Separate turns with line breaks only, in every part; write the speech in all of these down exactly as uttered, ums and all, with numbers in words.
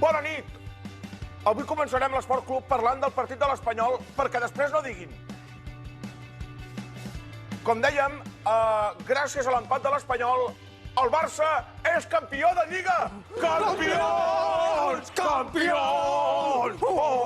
Bona nit! Avui començarem l'Esport Club parlant del partit de l'Espanyol perquè després no diguin. Com dèiem, gràcies a l'empat de l'Espanyol, el Barça és campió de Lliga! Campions! Campions!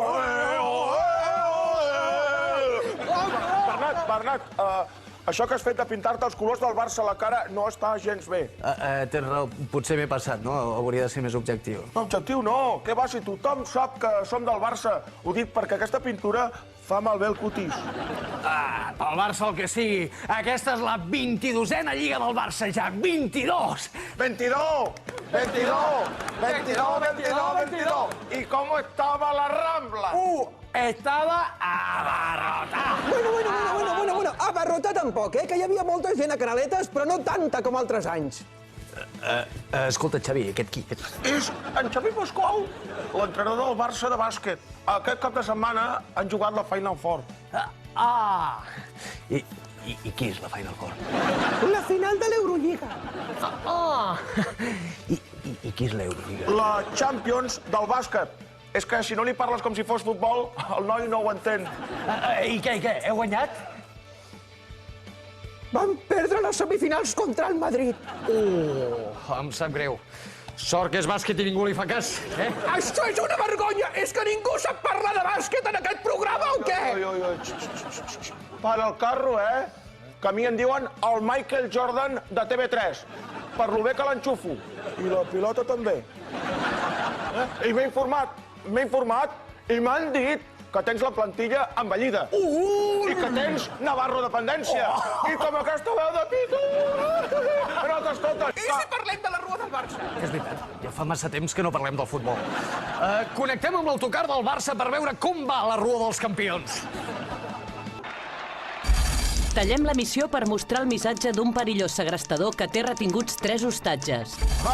Bernat, Bernat, això que has fet de pintar-te els colors del Barça a la cara no està gens bé.
Tens raó, potser m'he passat, no? Hauria de ser més objectiu.
Objectiu no, què va, si tothom sap que som del Barça. Ho dic perquè aquesta pintura fa malbé el cutis.
Ah, pel Barça el que sigui. Aquesta és la vint-i-dosena Lliga del Barça, ja. vint-i-dos!
veintidós! veintidós! veintidós, veintidós, veintidós! I com estava la Rambla?
Uh, estava abarrotat.
Bueno, bueno, bueno, bueno, bueno, bueno. Abarrotat tampoc, eh? Que hi havia molta gent a Canaletes, però no tanta com altres anys.
Escolta, Xavi, aquest qui?
És en Xavi Pasqual, l'entrenador del Barça de bàsquet. Aquest cap de setmana han jugat la Final Four.
Ah! I qui és la Final Four?
La final de l'Eurolliga.
Ah! I qui és l'Eurolliga?
La Champions del bàsquet. És que si no li parles com si fos futbol, el noi no ho entén.
I què, i què? Heu guanyat?
Van perdre les semifinals contra el Madrid.
Oh, em sap greu. Sort que és bàsquet i ningú li fa cas, eh?
Això és una vergonya! És que ningú sap parlar de bàsquet en aquest programa o què?
Oi, oi, oi. Para el carro, eh? Que a mi em diuen el Michael Jordan de T V tres. Per lo bé que l'enxufo. I la pilota també. I m'he informat, m'he informat i m'han dit que tens la plantilla envellida. I que tens Navarro dependència. I com aquesta veu de pito. No t'escoltes.
I si parlem de la Rua del Barça?
És veritat, ja fa massa temps que no parlem del futbol. Connectem amb l'autocar del Barça per veure com va la Rua dels Campions.
Tallem l'emissió per mostrar el missatge d'un perillós segrestador que té retinguts tres hostatges.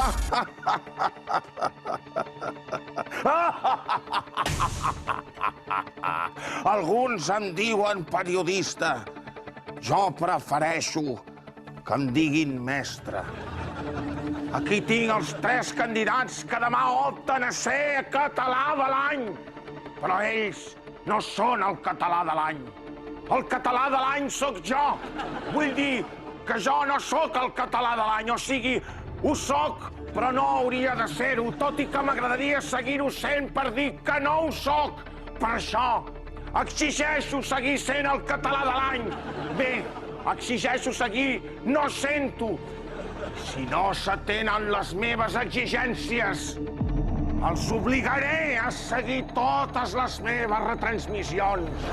Alguns em diuen periodista. Jo prefereixo que em diguin mestre. Aquí tinc els tres candidats que demà opten a ser català de l'any. Però ells no són el català de l'any. El català de l'any sóc jo. Vull dir que jo no sóc el català de l'any, o sigui, ho sóc, però no hauria de ser-ho, tot i que m'agradaria seguir-ho sent per dir que no ho sóc. Per això, exigeixo seguir sent el català de l'any. Bé, exigeixo seguir no sent-ho. Si no s'atenen les meves exigències, els obligaré a seguir totes les meves retransmissions.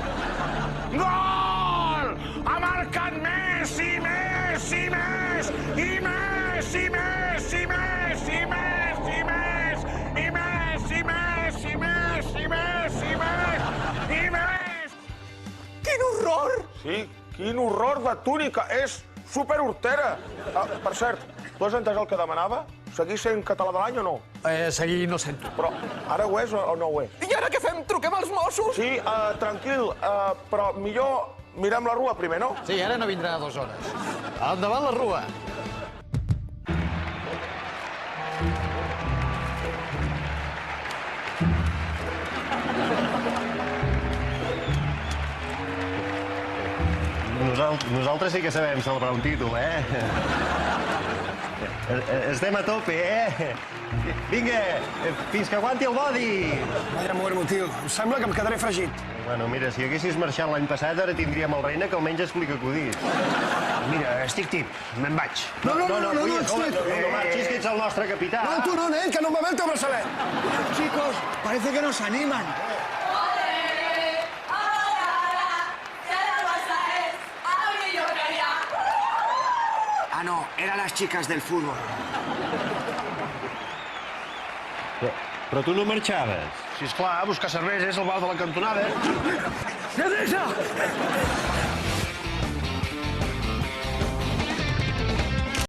Gol! Ha marcat Messi, Messi, Messi, i Messi, Messi, Messi, Messi, Messi, i Messi, Messi, Messi, Messi, Messi, i Messi.
Quin horror!
Sí, quin horror de túnica, és superhortera. Per cert, tu has entès el que demanava? Seguir sent català de l'any o no?
Seguir no sento.
Però ara ho és o no ho és?
I ara què fem? Truquem als Mossos?
Sí, tranquil, però millor mirem la Rua primer, no?
Sí, ara no vindrà a dues hores. Endavant la Rua.
Nosaltres sí que sabem celebrar un títol, eh? Estem a tope, eh? Vinga, fins que aguanti el bodi!
Vaya muermo, tio. Em sembla que em quedaré fregit.
Bueno, mira, si haguessis marxat l'any passat, ara tindríem el Reina que almenys explica acudits.
Mira, estic tip. Me'n vaig.
No, no, no, no, no, no marxis, que ets el nostre capità.
No, tú no, nen, que no me ve el teu braçalet.
Chicos, parece que nos animan.
Ah, no, eran las chicas del fútbol.
Però, però tu no marxaves.
Sí, esclar, a buscar cervesa és el bar de la cantonada.
Cervesa!